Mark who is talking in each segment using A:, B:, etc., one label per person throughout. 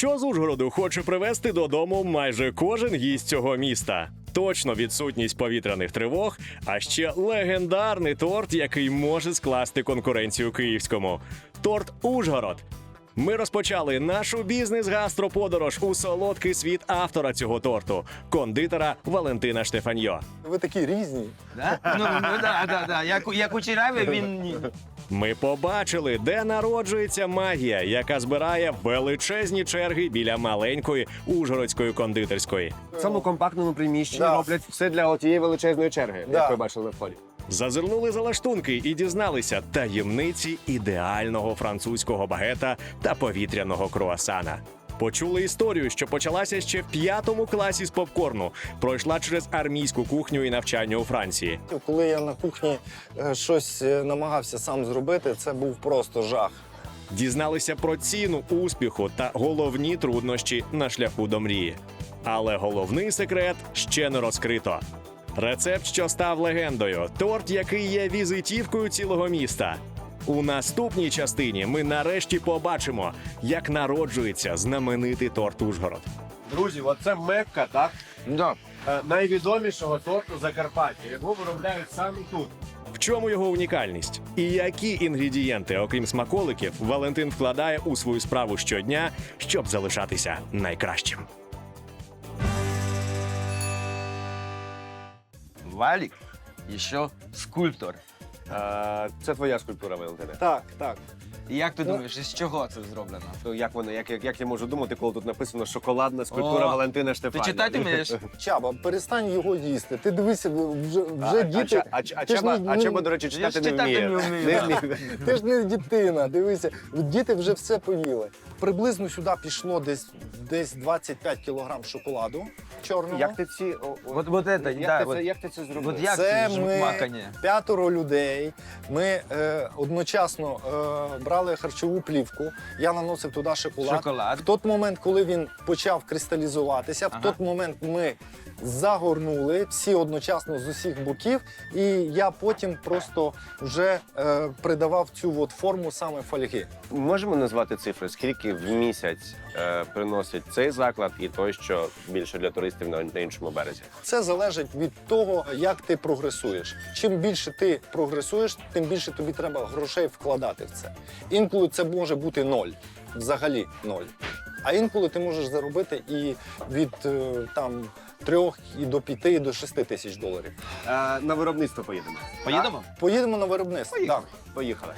A: що з Ужгороду хоче привезти додому майже кожен гість цього міста. Точно відсутність повітряних тривог, а ще легендарний торт, який може скласти конкуренцію київському. Торт «Ужгород». Ми розпочали нашу бізнес-гастроподорож у солодкий світ автора цього торту – кондитера Валентина Штефаньо.
B: Ви такі різні.
C: Да? Да. Як у Чираві він... ні.
A: Ми побачили, де народжується магія, яка збирає величезні черги біля маленької ужгородської кондитерської.
D: В цьому компактному приміщенні
B: Да.
D: роблять все для тієї величезної черги,
B: Да.
D: як ви бачили на вході.
A: Зазирнули за лаштунки і дізналися таємниці ідеального французького багета та повітряного круасана. Почули історію, що почалася ще в 5 класі з попкорну, пройшла через армійську кухню і навчання у Франції.
B: Коли я на кухні щось намагався сам зробити, це був просто жах.
A: Дізналися про ціну успіху та головні труднощі на шляху до мрії. Але головний секрет ще не розкрито. Рецепт, що став легендою, торт, який є візитівкою цілого міста. У наступній частині ми нарешті побачимо, як народжується знаменитий торт «Ужгород».
D: Друзі, оце Мекка, так?
C: Да.
D: Найвідомішого торту Закарпаття. Його виробляють саме тут.
A: В чому його унікальність? І які інгредієнти, окрім смаколиків, Валентин вкладає у свою справу щодня, щоб залишатися найкращим?
C: Валік ще скульптор.
D: Це твоя скульптура, Валентина.
B: Так, так.
C: І як ти думаєш, із чого це зроблено?
D: То як воно, як я можу думати, коли тут написано «Шоколадна скульптура
C: О,
D: Валентина
C: Ти
D: Штефаня»?
C: читати вмієш?
B: Чаба, перестань його їсти. Ти дивися, вже діти...
D: Чаба, до речі,
C: Я ж
D: читати не
C: читати
D: вміє.
C: не вмію.
B: Ти ж не дитина, дивися. Діти вже все поїли. Приблизно сюди пішло десь 25 кілограм шоколаду чорного.
D: Як ти ці...
C: Вот это, да.
D: Як ти це зробив?
C: От як
B: Це
C: це
B: ми
C: макання?
B: 5 людей. Ми одночасно брали харчову плівку. Я наносив туди шоколад. В той момент, коли він почав кристалізуватися, в той момент ми загорнули всі одночасно з усіх боків, і я потім просто вже придавав цю от форму саме фольги.
D: Можемо назвати цифри, скільки в місяць приносить цей заклад і той, що більше для туристів на іншому березі?
B: Це залежить від того, як ти прогресуєш. Чим більше ти прогресуєш, тим більше тобі треба грошей вкладати в це. Інколи це може бути 0, взагалі 0. А інколи ти можеш заробити і від там 3 і до 5, і до 6 тисяч доларів.
D: На виробництво поїдемо.
C: Поїдемо?
B: Поїдемо на виробництво. Так.
D: Поїхали.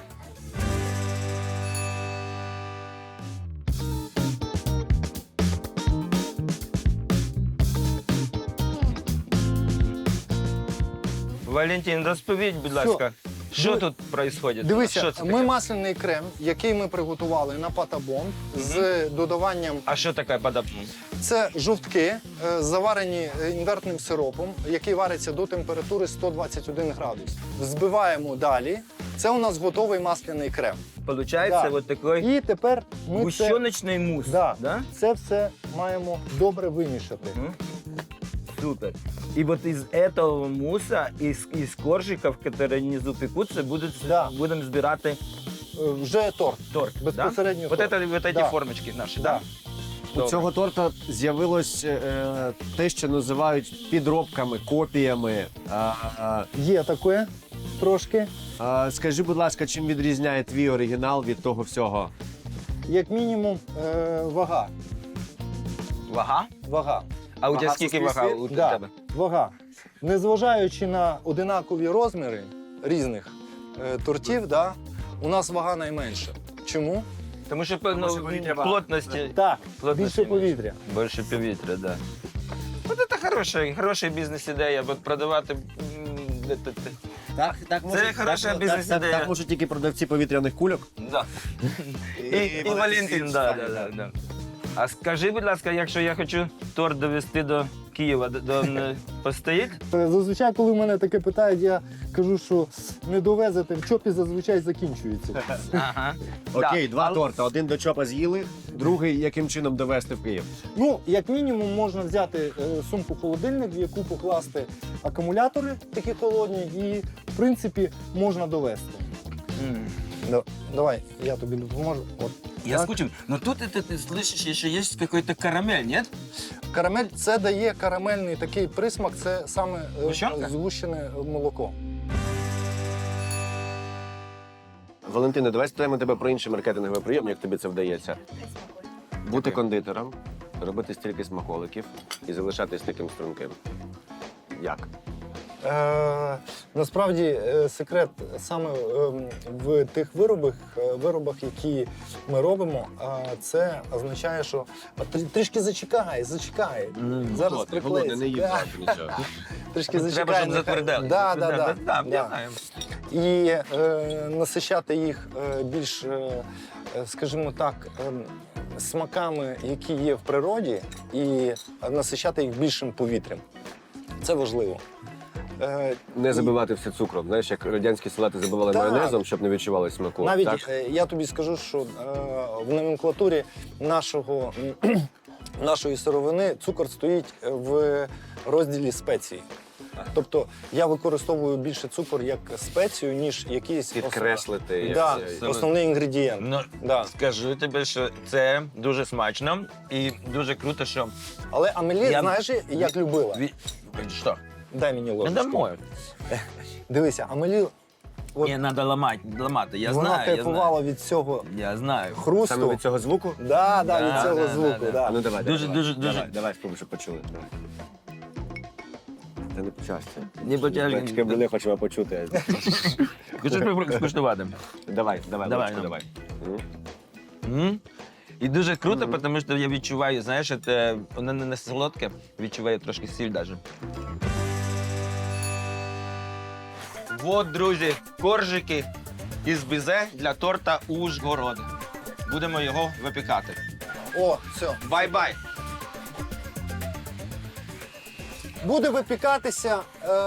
C: Валентин, розповідь, будь ласка, що тут відбувається?
B: Дивися,
C: Що це
B: ми
C: таке?
B: масляний крем, який ми приготували на патабон з додаванням.
C: А що таке подобне?
B: Це жовтки, заварені інвертним сиропом, який вариться до температури 121 градус. Взбиваємо далі. Це у нас готовий масляний крем.
C: Получається
B: Да.
C: вот такий
B: І тепер ми
C: гущоночний мус.
B: Да. Це все маємо добре вимішати.
C: Мгм. Супер. И вот из этого муса, из коржиков, которые внизу пекутся,
B: Да.
C: будем збирати
B: Вже торт.
C: торт.
B: Безпосередньо
C: Да? Вот,
B: торт.
C: это, вот эти
B: Да.
C: формочки наші,
B: Да.
C: Да?
D: У цього торта з'явилось те, що називають підробками, копіями.
B: Є таке трошки.
D: Скажи, будь ласка, чим відрізняє твій оригінал від того всього?
B: Як мінімум вага.
C: Вага?
B: Вага.
C: А у тебе
D: Вага
C: скільки
D: суспільстві?
C: вага у
B: Да.
C: тебе?
B: Вага. Незважаючи на одинакові розміри різних тортів, да, у нас вага найменша. Чому?
C: Тому що
D: що повітря багато.
C: плотності.
B: Так,
C: Плотності
B: більше повітря.
C: Більше повітря, да. Вот это хороша бізнес-ідея, от продавати.
D: Так
C: Це хороша бізнес-ідея.
D: Так можуть тільки продавці повітряних кульок.
C: Да. І Валентин, да. А скажи, будь ласка, якщо я хочу торт довести до Києва, постоїть?
B: Зазвичай, коли мене таке питають, я кажу, що не довезете, в чопі зазвичай закінчується.
C: Ага.
D: Окей,
C: Да.
D: два
C: Але-
D: торта. Один до чопа з'їли, другий яким чином довести в Київ.
B: Ну, як мінімум, можна взяти сумку-холодильник, в яку покласти акумулятори такі холодні, і, в принципі, можна довезти. Давай, я тобі допоможу. От.
C: Я
B: Так.
C: скучаю. Но тут ты слышишь, еще есть какой-то карамель, нет?
B: Карамель це дає карамельний такий присмак, це саме
C: Гущонка?
B: згущене молоко.
D: Валентина, давай спитаємо тебе про інший маркетинговий прийом, як тобі це вдається. Бути кондитером, робити стільки смаколиків і залишатись таким струнким. Як?
B: Насправді секрет саме в тих виробах, які ми робимо, це означає, що трішки зачекай. Зараз приклеїться.
D: не їм
B: Да.
D: нічого.
B: Трішки
C: Треба,
B: зачекай.
C: щоб затвердели.
B: Да,
C: я знаю.
B: І насичати їх більш, скажімо так, смаками, які є в природі, і насичати їх більшим повітрям. Це важливо.
D: Не забивати все цукром. Знаєш, як радянські салати забивали
B: Так.
D: майонезом, щоб не відчували смаку.
B: Навіть
D: так?
B: я тобі скажу, що в номенклатурі нашої сировини цукор стоїть в розділі спеції. Тобто я використовую більше цукор як спецію, ніж якийсь
D: Підкреслити.
B: Да,
D: як-
B: основний інгредієнт.
C: Ну,
B: Да.
C: скажу тобі, що це дуже смачно і дуже круто, що...
B: Але Амелі, знаєш, як любила?
C: Що?
B: Дай мені
C: Не
B: ложечку.
C: домой.
B: Дивися, Амелі, от
C: Мені треба ламати, я
B: вона
C: знаю,
B: кайфувала від цього
C: я знаю.
B: хрусту.
D: Саме від цього звуку?
B: Да,
C: Да,
B: від цього
C: да,
B: звуку.
C: да,
B: Да.
D: А ну давай,
C: Дуже,
D: давай.
C: дуже, дуже.
D: Давай, спробуй, щоб почули. Давай. Це не почався.
C: Не потягли.
D: Батьки були, хочемо почути.
C: Хочу скуштувати.
D: Давай,
C: Давай,
D: ложечку,
C: ну.
D: давай.
C: І дуже круто, тому що я відчуваю, знаєш, воно не солодке, відчуваю трошки сіль навіть. Вот, друзі, коржики із бізе для торта Ужгород. Будемо його випікати.
B: О, все.
C: Бай-бай!
B: Буде випікатися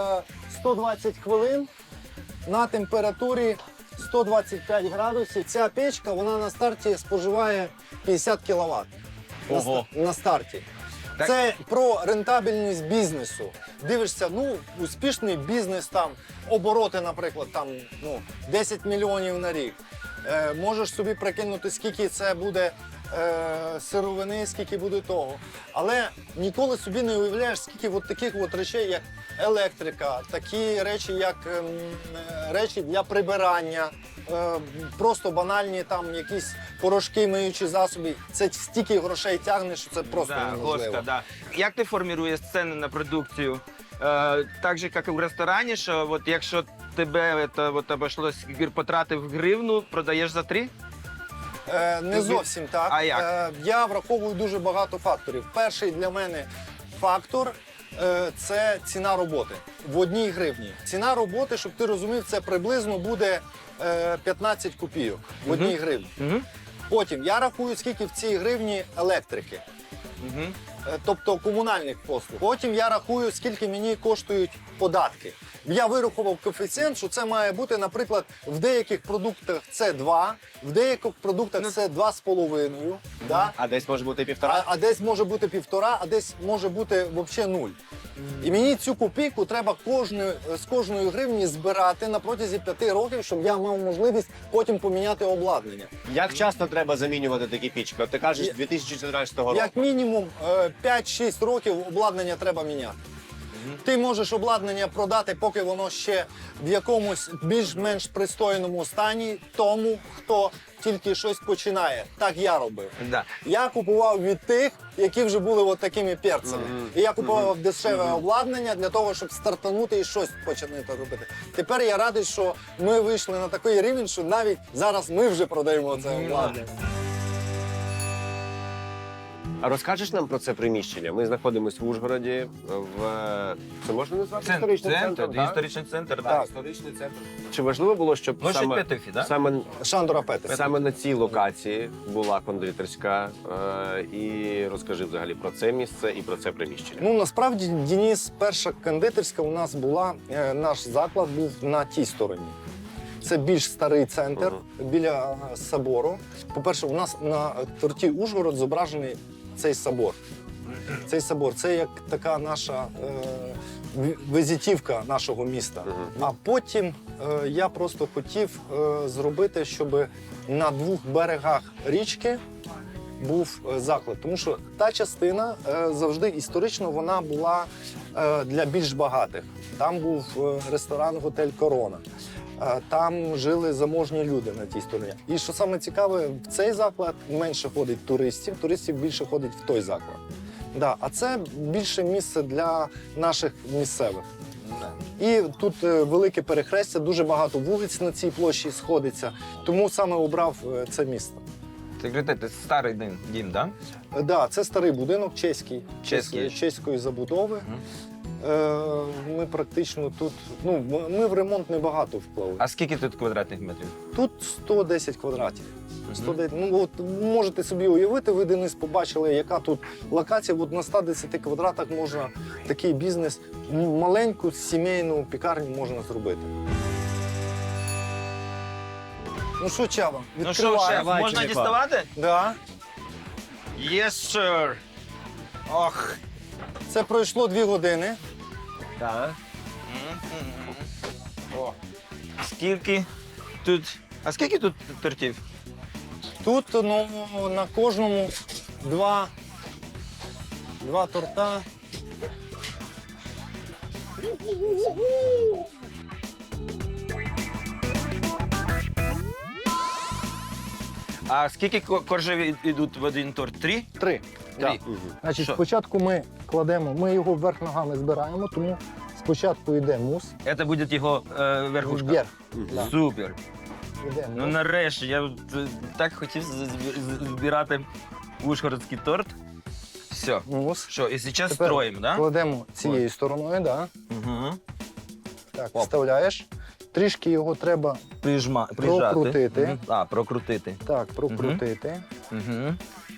B: 120 хвилин на температурі 125 градусів. Ця печка, вона на старті споживає 50 кВт.
C: Ого.
B: На старті.
C: Так.
B: Це про рентабельність бізнесу. Дивишся, успішний бізнес, там, обороти, наприклад, там, 10 мільйонів на рік. Можеш собі прикинути, скільки це буде сировини, скільки буде того. Але ніколи собі не уявляєш, скільки от таких от речей, як електрика, такі речі, як речі для прибирання, просто банальні там якісь порошки, миючі засоби. Це стільки грошей тягне, що це просто неможливо.
C: Госка, да. Як ти формуєш ціни на продукцію? Так же, як і в ресторані, що от якщо тебе обійшлось, потратив гривну, продаєш за 3?
B: Не зовсім так.
C: А як?
B: Я враховую дуже багато факторів. Перший для мене фактор це ціна роботи в 1 гривні. Ціна роботи, щоб ти розумів, це приблизно буде 15 копійок в 1 гривні. Потім я рахую, скільки в цій гривні електрики. Тобто комунальних послуг. Потім я рахую, скільки мені коштують податки. Я вирахував коефіцієнт, що це має бути, наприклад, в деяких продуктах це 2, в деяких продуктах це 2,5. Да?
D: А десь може бути 1,5?
B: А десь може бути 1,5, а десь може бути взагалі 0. І мені цю копійку треба з кожної гривні збирати на протязі 5 років, щоб я мав можливість потім поміняти обладнання.
D: Як часто треба замінювати такі пічки? От ти кажеш, 2014 року.
B: Як мінімум 5-6 років обладнання треба міняти. Ти можеш обладнання продати, поки воно ще в якомусь більш-менш пристойному стані тому, хто тільки щось починає. Так я робив.
C: Да.
B: Я купував від тих, які вже були от такими перцями. І я купував дешеве обладнання для того, щоб стартанути і щось почати робити. Тепер я радий, що ми вийшли на такий рівень, що навіть зараз ми вже продаємо це обладнання.
D: А розкажеш нам про це приміщення? Ми знаходимося в Ужгороді, це можна назвати історичним центром? так?
C: Історичний центр,
D: Так, історичний центр. Чи важливо було, щоб
C: Площадь Петефі, да?
B: Шандора Петер.
D: саме на цій локації була кондитерська? І розкажи взагалі про це місце і про це приміщення.
B: Ну, насправді, Денис, перша кондитерська у нас була, наш заклад був на тій стороні. Це більш старий центр біля собору. По-перше, у нас на торті Ужгород зображений цей собор. Цей собор – це як така наша візитівка нашого міста. А потім я просто хотів зробити, щоб на двох берегах річки був заклад. Тому що та частина завжди історично вона була для більш багатих. Там був ресторан «Готель Корона». Там жили заможні люди на тій стороні. І що саме цікаве, в цей заклад менше ходить туристів більше ходить в той заклад. Да, а це більше місце для наших місцевих. І тут велике перехрестя, дуже багато вулиць на цій площі сходиться, тому саме обрав це місто.
C: Ти говорите, це старий дім, так?
B: Да, це старий будинок чеський,
C: Чеський.
B: чеської забудови. Ми практично тут, ми в ремонт небагато вплили.
C: А скільки тут квадратних метрів?
B: Тут 110 квадратів. 110, от можете собі уявити, ви Денис побачили, яка тут локація. От на 110 квадратах можна такий бізнес, маленьку сімейну пікарню можна зробити. Ну що, Чава,
C: Ну що, шеф,
B: відкриваємо.
C: можна діставати?
B: Да.
C: Yes, sir. Ох.
B: Це пройшло 2 години.
D: Так.
C: О. Скільки тут тортів?
B: Тут на кожному 2 торта.
C: А скільки коржів йдуть в один торт? 3?
B: 3.
C: Три.
B: Значить,
C: Що?
B: спочатку ми його вверх ногами збираємо, тому спочатку йде мус.
C: Це буде його верхушка?
B: Вверх. Да.
C: Супер.
B: Йде
C: Ну
B: мус.
C: нарешті, я так хотів збирати ужгородський торт. Все.
B: Мус.
C: Що, і зараз
B: Тепер
C: строїмо, так? Да?
B: Кладемо цією стороною, да.
C: Угу.
B: Так,
C: Оп.
B: вставляєш. Трішки його треба
C: Прижати.
B: Прокрутити.
C: Мгм. А, прокрутити.
B: так прокрутити.
C: Угу.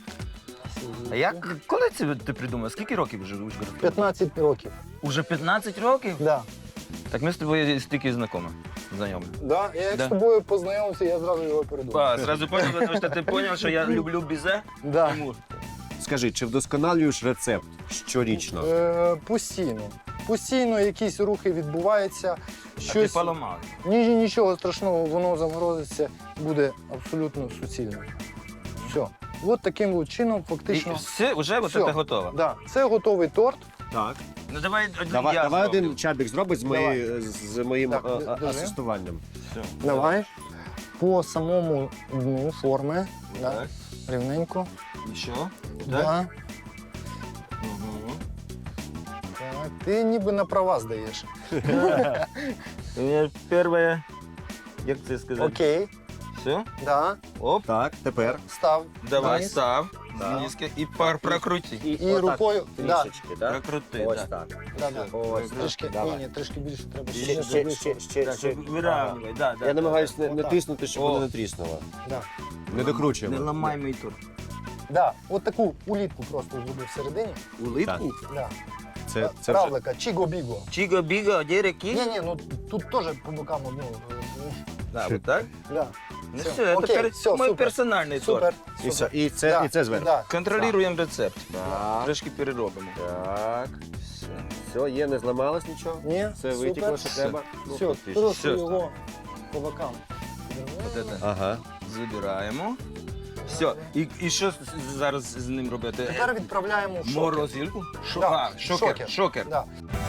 C: А як, коли це ти придумав? Скільки років вже в Ужгороді?
B: 15 років.
C: Уже 15 років?
B: Да.
C: Так ми з тобою стільки знайомі.
B: Да. Я як
C: Да.
B: з тобою познайомився, я зразу його передумав.
C: А, зразу понял, тому що ти зрозумів, що я люблю бізе.
B: Да.
C: Тому
D: Скажи, чи вдосконалюєш рецепт щорічно?
B: Постійно. Постійно якісь рухи відбуваються.
C: ти
B: Щось...
C: поламав.
B: Нічого страшного, воно заморозиться, буде абсолютно суцільно. Все. От таким от чином
C: І
B: фактично.
C: все, вже
B: Все.
C: це готово.
B: Да. Це готовий торт.
D: Так.
C: Ну давай один
D: Давай,
C: я
D: давай
C: зроблю.
D: один чабік зробить з моїм
B: Так, держи.
D: асистуванням.
B: Давай. По самому дну форми. Да.
C: Так.
B: Рівненько.
C: І що?
B: Да.
C: Угу.
B: Так. Ти ніби на права здаєш.
C: У мене перше, як це сказати?
B: Окей.
C: Все?
B: Да.
C: Оп.
D: Так, тепер.
B: Став.
C: Давай,
B: вниз.
C: став.
D: Да.
C: Знизки. І прокрути.
B: І рукою. Да.
D: Трішечки, так?
C: Прокрути,
D: Ось
C: да.
D: так.
B: Да, да.
D: Ось
B: Трішки,
D: так. Давай.
B: ні, трішки більше треба. щоб
D: Ще,
B: воно
D: ще,
B: вийшло.
C: Так, щоб вирівнювати, да, да.
D: Я намагаюся не
B: Отак.
D: тиснути, щоб
C: О.
D: воно не тріснуло.
B: Да.
D: Не докручуємо.
C: Не ламай мій торт.
B: Да. От таку улітку просто зробив всередині.
C: Улитку?
B: Да.
D: Це вже...
B: Равлика, чіго-біго.
C: Чіго-біго, де реки?
B: Ні, ну тут теж по бокам одну.
C: Да, вот так?
B: Да.
C: Ну
B: Все.
C: все,
B: Окей,
C: це
B: все,
C: мій
B: супер.
C: персональний торт.
B: Супер.
D: І все,
B: супер.
D: і це,
B: Да,
D: і це зверху.
B: Да.
C: Контролюємо рецепт.
D: Так.
C: Трошки переробимо.
D: Так. Все, є, не зламалось нічого?
B: Ні,
D: Все витекло, що
B: все.
D: треба? Ну,
B: Все,
D: фактично.
B: просто
C: Все.
B: його по бокам.
C: Вот это
D: Ага.
C: забираємо. Все. І що зараз з ним робити?
B: Тепер відправляємо в шокер.
C: Морозилку?
B: Да,
C: Шокер. Шокер.
B: Да.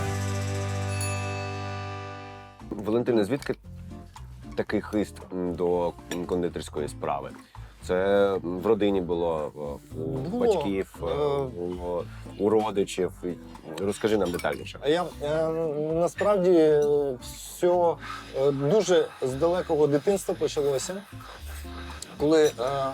D: Валентина, звідки такий хист до кондитерської справи? Це в родині було, у
B: Було.
D: батьків, у родичів. Розкажи нам детальніше.
B: А я насправді все дуже з далекого дитинства почалося, коли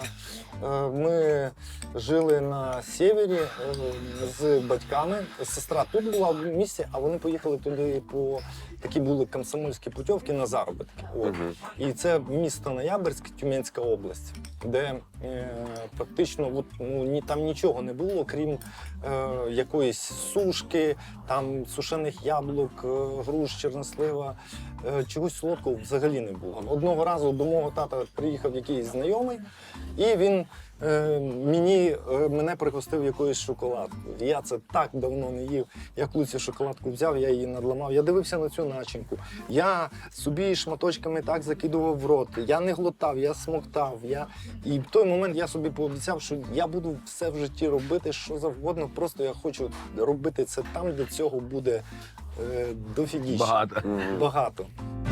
B: ми жили на сєвєрі з батьками. Сестра тут була в місті, а вони поїхали туди по такі були комсомольські путівки на заробітки. От.
D: Мгм.
B: І це місто Ноябрьськ, Тюменська область, де фактично там нічого не було, крім якоїсь сушки, там сушених яблук, груш, чорнослива, чогось солодкого взагалі не було. Одного разу до мого тата приїхав якийсь знайомий, і він мене пригостив якоюсь шоколадкою. Я це так давно не їв. Я коли цю шоколадку взяв, я її надламав. Я дивився на цю начинку. Я собі шматочками так закидував в рот. Я не глотав, я смоктав. І в той момент я собі пообіцяв, що я буду все в житті робити, що завгодно. Просто я хочу робити це там, де цього буде дофігіще. Багато.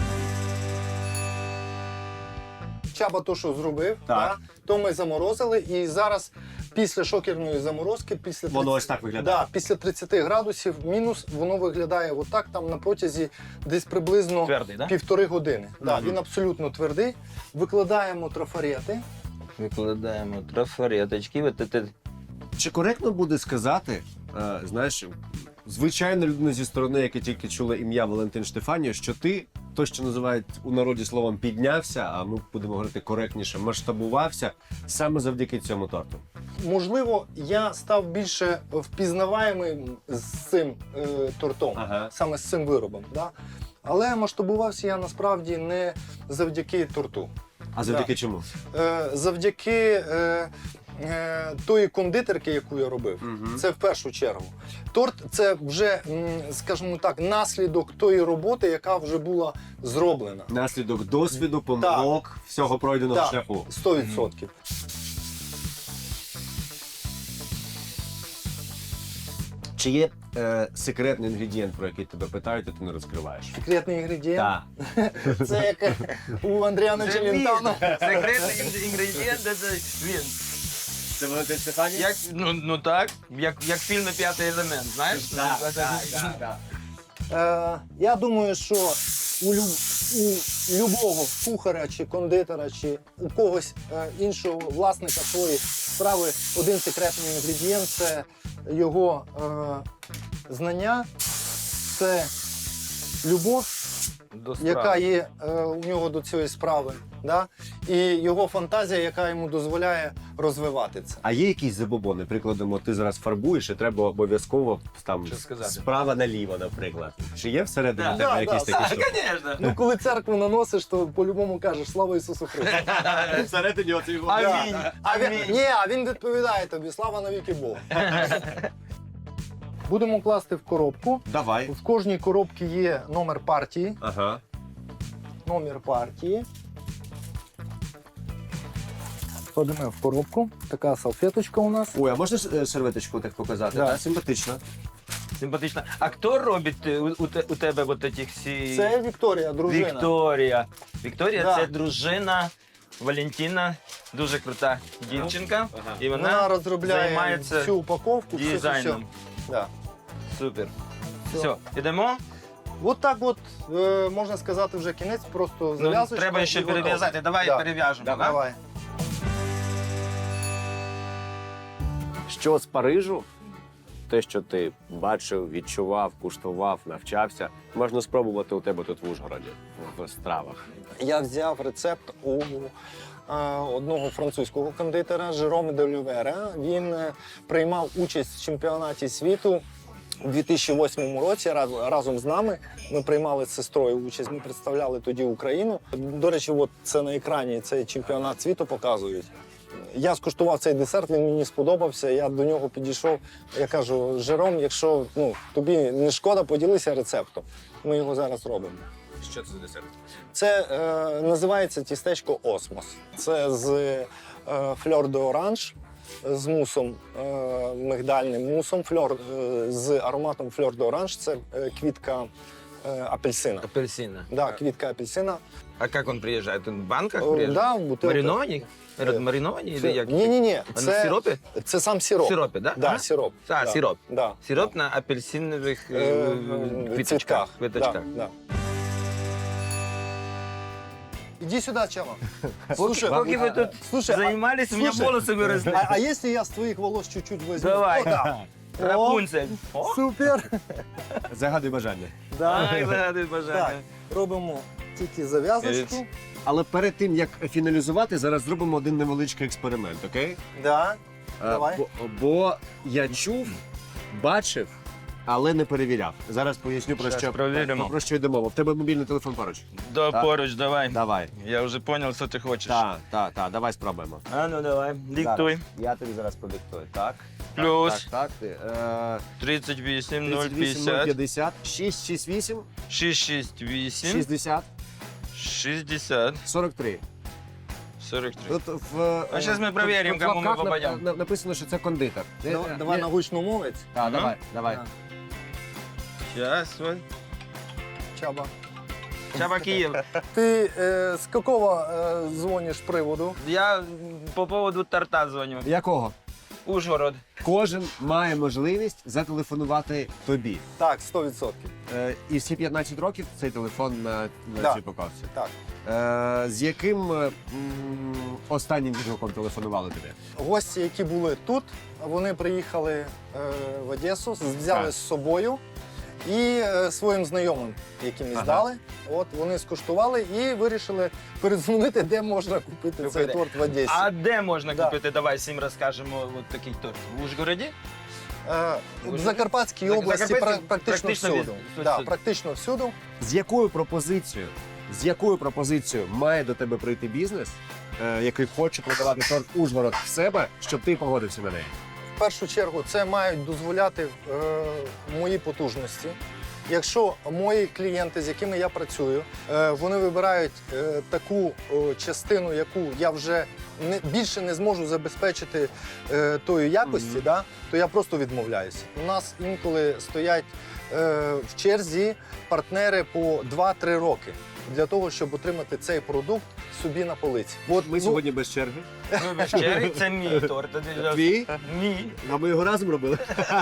B: Чаба то, що зробив,
D: Так.
B: то ми заморозили. І зараз після шокерної заморозки, після
D: Воно ось так виглядає?
B: після 30 градусів мінус, воно виглядає отак, там на протязі десь приблизно
C: Твердий, да?
B: 1,5 години. Да, він абсолютно твердий. Викладаємо трафарети.
C: Викладаємо трафареточки.
D: Чи коректно буде сказати, знаєш, звичайна людина зі сторони, яка тільки чула ім'я Валентин Штефаніо, що ти, то, що називають у народі словом піднявся, а ми будемо говорити коректніше, масштабувався саме завдяки цьому торту?
B: Можливо, я став більше впізнаваємим з цим тортом, саме з цим виробом. Да? Але масштабувався я насправді не завдяки торту.
D: А завдяки чому?
B: Завдяки тої кондитерки, яку я робив, це в першу чергу. Торт – це вже, скажімо так, наслідок тої роботи, яка вже була зроблена.
D: Наслідок досвіду, помилок, всього пройденого шляху.
B: 100%.
D: Чи є секретний інгредієнт, про який тебе питають, а ти не розкриваєш?
B: Секретний інгредієнт?
D: Так.
B: Це як у Андріана Челентано.
C: Секретний інгредієнт це він.
D: Це Валентин Штефаніо?
C: Ну так, як фільм «П'ятий елемент», знаєш?
B: Я думаю, що у любого кухаря чи кондитера, чи у когось іншого власника своєї справи один секретний інгредієнт – це його знання, це любов, яка є у нього до цієї справи, да? І його фантазія, яка йому дозволяє розвивати це.
D: А є якісь забобони? Прикладемо, ти зараз фарбуєш і треба обов'язково там справа наліво, наприклад. Чи є всередині тебе якісь такі штуки?
C: Звісно.
B: Ну, коли церкву наносиш, то по-любому кажеш «Слава Ісусу Христу».
D: Всередині оцей його.
C: Амінь.
B: А він відповідає тобі «Слава навіки Богу». Будемо класти в коробку.
D: Давай.
B: В кожній коробці є номер партії.
D: Ага.
B: Номер партії. Кладемо в коробку. Така салфеточка у нас.
D: Ой, а можна серветочку так показати?
B: Да.
D: Так, симпатично.
C: Симпатично. А хто робить у тебе от ці всі...
B: Це Вікторія, дружина.
C: Вікторія. Вікторія
B: Да.
C: це дружина Валентина, дуже крута дівчинка. І
B: Вона розробляє
C: займається
B: всю упаковку,
C: дизайном.
B: Да.
C: Супер.
B: Все.
C: Все, ідемо.
B: От так от, можна сказати, вже кінець, просто зав'язочка.
C: Треба ще
B: і готово.
C: перев'язати. Давай
B: Да.
C: перев'яжемо. да?
B: Давай.
D: Що з Парижу? Те, що ти бачив, відчував, куштував, навчався, можна спробувати у тебе тут в Ужгороді, в стравах.
B: Я взяв рецепт у одного французького кондитера Жероме де Лювера. Він приймав участь в чемпіонаті світу у 2008 році разом з нами. Ми приймали з сестрою участь, ми представляли тоді Україну. До речі, от це на екрані цей чемпіонат світу показують. Я скуштував цей десерт, він мені сподобався, я до нього підійшов. Я кажу: Жером, якщо тобі не шкода, поділися рецептом. Ми його зараз робимо.
D: Що це за десерт?
B: Це називається тістечко Осмос. Це з фльор де оранж, з мусом, мигдальним мусом, з ароматом фльор де оранж. Це квітка апельсина.
C: Апельсина.
B: Да, квітка апельсина.
C: А як він приїжджає? Він в банках приїжджає?
B: Да, в бутилках.
C: Мариновані? Мариновані? Или як?
B: Ні.
C: А на сиропі?
B: Це сам сироп.
C: В сиропі, да?
B: Да, сироп.
C: А,
B: Да.
C: сироп.
B: Да.
C: Сироп на апельсинових
B: Цвітках.
C: квіточках.
B: Да. Иди сюда, Чава.
C: Поки ви тут
B: слушай,
C: займались, у мене волоси виросли.
B: А если я с твоих волос чуть-чуть возьму?
C: Давай.
B: Вот так.
C: Рапунцель.
B: О, супер.
D: Загадуй бажання.
B: Да.
C: Ай, загадуй
B: Так,
C: бажання.
B: робимо тільки зав'язочку.
D: Але перед тим, як фіналізувати, зараз зробимо один невеличкий експеримент, окей?
B: Да. Давай.
D: Бо я чув, бачив, але не перевіряв. Зараз поясню,
C: Щас перевіримо.
D: про що йде мова. В тебе мобільний телефон поруч.
C: Да,
D: Так.
C: поруч, давай.
D: Давай.
C: Я вже зрозумів, що ти хочеш.
D: Так, давай спробуємо.
C: А ну давай, диктуй.
D: Зараз. Я тобі зараз продиктую. Так.
C: Плюс.
D: Так.
C: 38,
D: 38,
C: 050,
D: 050, 668,
C: 668,
D: 60,
C: 60,
D: 43.
C: 43.
D: Тут
C: А щас ми перевіримо,
D: в
C: кому ми
D: лапках
C: попадемо.
D: Написано, що це кондитер.
B: Давай на гучномовець.
D: Так,
C: Ага.
D: давай.
B: Так.
C: Сейчас, вот.
B: Чаба.
C: Чаба Киев.
B: Ты с какого звонишь приводу?
C: Я по поводу торта звоню.
D: Якого?
C: Ужгород.
D: Кожен має можливість зателефонувати тобі.
B: Так, 100%.
D: І всі 15 років цей телефон на
B: Да.
D: цій упаковці.
B: Так.
D: З яким останнім відгуком телефонували тобі?
B: Гості, які були тут, вони приїхали в Одесу, взяли
D: Так.
B: з собою і своїм знайомим, яким
D: Ага.
B: здали. От вони скуштували і вирішили передзвонити, де можна купити цей торт в Одесі.
C: А де можна
B: Да.
C: купити? Давай всім розкажемо от такий торт. В Ужгороді?
B: В Закарпатській
C: Зак-
B: області
C: Закарпатській
B: практично
C: практично
B: всюди.
C: всюди.
B: Да, практично всюди.
D: З якою пропозицією має до тебе прийти бізнес, який хоче продавати торт Ужгород в себе, щоб ти погодився на неї?
B: В першу чергу це мають дозволяти мої потужності. Якщо мої клієнти, з якими я працюю, вони вибирають таку частину, яку я вже більше не зможу забезпечити тої якості, да, то я просто відмовляюся. У нас інколи стоять в черзі партнери по 2-3 роки для того, щоб отримати цей продукт собі на полиці. От
D: Ми сьогодні без черги.
C: Ну, без черги, це мій торт.
D: Твій?
C: Мій.
D: А ми його разом робили.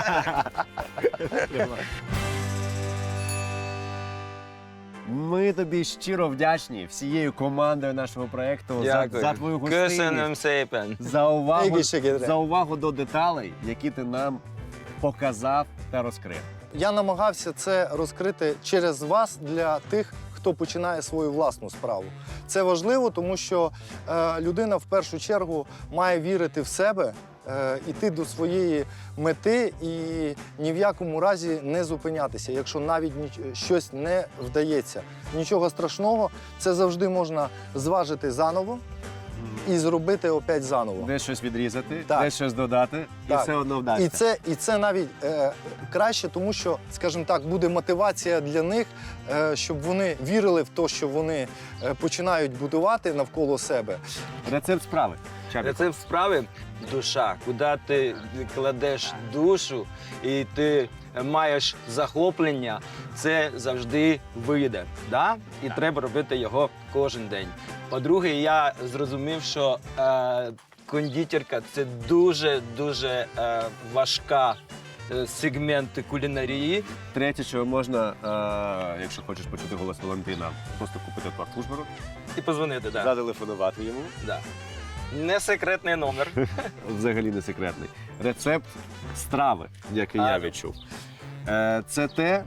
D: Ми тобі щиро вдячні всією командою нашого проєкту за твою гостинність,
C: Köszönöm szépen.
B: Егіше-гідре.
D: за увагу до деталей, які ти нам показав та розкрив.
B: Я намагався це розкрити через вас для тих, хто починає свою власну справу. Це важливо, тому що людина в першу чергу має вірити в себе, іти до своєї мети і ні в якому разі не зупинятися, якщо навіть щось не вдається. Нічого страшного, це завжди можна зважити заново і зробити опять заново.
D: Де щось відрізати,
B: Так.
D: де щось додати, і
B: Так.
D: все одно вдасться.
B: І це навіть краще, тому що, скажімо так, буде мотивація для них, щоб вони вірили в те, що вони починають будувати навколо себе.
D: Рецепт справи. Чабік.
C: Рецепт справи душа. Куди ти кладеш душу і ти маєш захоплення, це завжди вийде. Да? І треба робити його кожен день. По-друге, я зрозумів, що кондитерка – це дуже важка сегмент кулінарії.
D: Третє, що можна, якщо хочеш почути голос Валентина, просто купити торт Ужгород,
C: І позвонити, да.
D: зателефонувати йому.
C: Да. Не секретний номер.
D: Взагалі не секретний. Рецепт страви, який я відчув. Це те,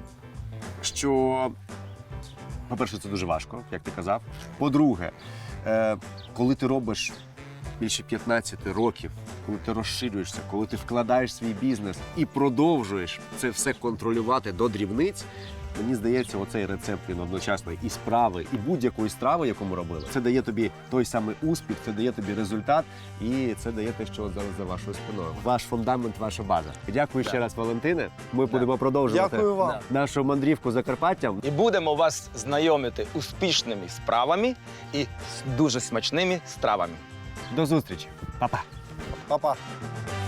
D: що, по-перше, це дуже важко, як ти казав. По-друге, коли ти робиш більше 15 років, коли ти розширюєшся, коли ти вкладаєш свій бізнес і продовжуєш це все контролювати до дрібниць, мені здається, оцей рецепт він одночасно і справи, і будь-якої страви, яку ми робили. Це дає тобі той самий успіх, це дає тобі результат, і це дає те, що зараз за вашою спиною. Ваш фундамент, ваша база. Дякую ще раз, Валентине. Ми будемо продовжувати
B: Дякую вам.
D: нашу мандрівку Закарпаттям.
C: І будемо вас знайомити успішними справами і з дуже смачними стравами.
D: До зустрічі. Па-па.
B: Па-па.